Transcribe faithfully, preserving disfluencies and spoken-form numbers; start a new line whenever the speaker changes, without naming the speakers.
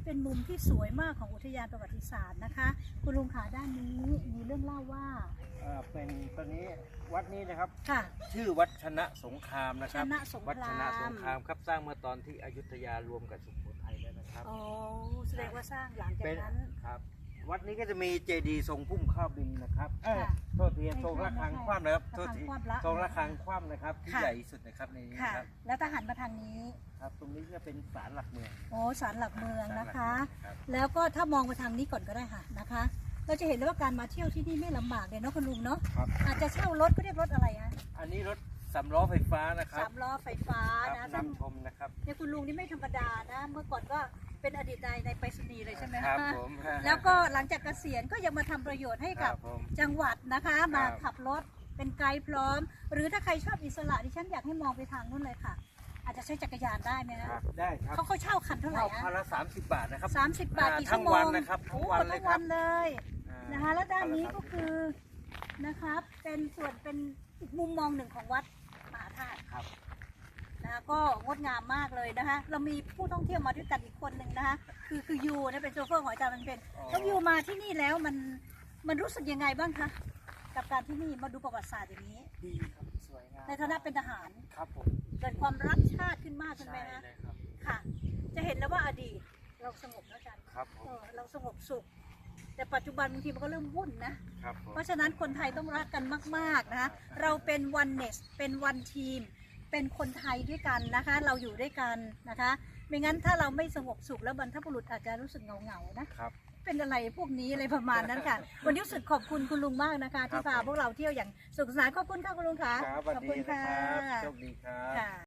เป็นมุมที่สวยมากของอุทยานประวัติศาสตร์นะคะคุณลุงขาด้านนี้มีเรื่องเล่าว่า
เอ่อเป็นตอนนี้วัดนี้นะครับ
ค่ะ
ชื่อวัดชนะสงครามนะค
ช
รับ
นะสง
วัด
ค
ช
รา
นะสง
ม
ครามครับสร้างเมื่อตอนที่อยุธยารวมกับสุโขทัยแล้วนะครับ
อ๋อแสดงว่าสร้างหลังจาก
เป็น
นั้น
ครับวัดนี้ก็จะมีเจดีย์ทรงพุ่มข้าวบินนะครับเออ
ค่ะ
โทษทีทรงระฆังคว่ำนะครับโทษที
ระฆังคว่ำละ
ทรงระฆังคว่ำนะครับที่
ค่ะ
ใหญ่ที่สุดนะครับในนี้
ค่ะ
นะครับ
แล้วทหารมาทางนี้
ครับตรงนี้ก็เป็นศาลหลักเมือง
โอ้ศาลหลักเมืองนะคะ
ศาลหลักเมืองครับ
แล้วก็ถ้ามองไปทางนี้ก่อนก็ได้ค่ะนะคะ เราจะเห็นเลยว่าการมาเที่ยวที่นี่ไม่ลำบากเลยเนาะคุณลุงเนาะ
ครับ
อาจจะเช่ารถก็เรียกรถอะไรฮะ
อันนี้รถสำล้อไฟฟ้านะครับ
สามล้อไฟฟ้า
ครับ
นะซึ่ง
นำชมนะครับ
เนี่ยคุณลุงนี่ไม่ธรรมดานะ เมื่อก่อนก็เป็นอดีตนายในไปรษณีย์เลยใช่ไหม
ครั
คะ
บผม
แล้วก็หลังจากเกษียณก็ยังมาทำประโยชน์ให้กับ
ครับผม
จังหวัดนะคะ มา
ครับ
ขับรถเป็นไกด์พร้อม หรือถ้าใครชอบอิสระดิฉันอยากให้มองไปทางนู้นเลยค่ะ อาจจะใช้จักรยานได้ไหม
ค
นะ
รับได้ครับ
เขาเขาเช่าคันเท่าไหร่
เข้า
อะ
คันละสามสิบบาทนะครับ
สามสิบบาทกี่
ทั้
ชั่ว
ง
โมง
วันนะครับทั้งวัน
โอ้
เลย
ทั้ง
ครั
วั
บ
นเลย
อ่า
นะคะแล้วด้านนี้
คัละ
ก็คือนะครับเป็นส่วนเป็นอีกมุมมองหนึ่งของวัดมหาธาตุ
ครับ
นะคะก็งดงามมากเลยนะคะ เรามีผู้ท่องเที่ยวมาด้วยกันอีกคนหนึ่งนะคะคือคือยูนะเป็นโชเฟอร์ของอาจารย์มันเป็น
อ๋อ
แล้วยูมาที่นี่แล้วมันมันรู้สึกยังไงบ้างคะกับการที่นี่มาดูประวัติศาสตร์อย่างนี้
ดีครับสวยงาม
ในฐานะเป็นทหาร
ครับผม
เกิดความรักชาติขึ้นมากขึ้นไหม
ใช่
นะ
เลยครับ
ค่ะ จะเห็นแล้วว่าอดีตเราสงบแล้วอาจารย์
ครับผ
เอ
ม
อเราสงบสุข แต่ปัจจุบันบางทีมันก็เริ่มวุ่นนะ
ครับผม
เพราะฉะนั้นคนไทยต้องรักกันมากๆนะคะเราเป็นวันเนสเป็นวันทีม เป็นคนไทยด้วยกันนะคะ เราอยู่ด้วยกันนะคะ ไม่งั้นถ้าเราไม่สงบสุขแล้วบรรพบุรุษอาจจะรู้สึกเหงาๆนะ
ครับ
เป็นอะไรพวกนี้อะไรประมาณนั้นค่ะ วันนี้รู้สึกขอบคุณคุณลุงมากนะคะ ที่พาพวกเราเที่ยวอย่างสนุกสนานขอบคุณค่ะคุณลุงค่ะ
ครับสวัส
ขอบ
ดี
คุณ
นะ
ค่ะ
ครับโชคดีครับ
ค่ะ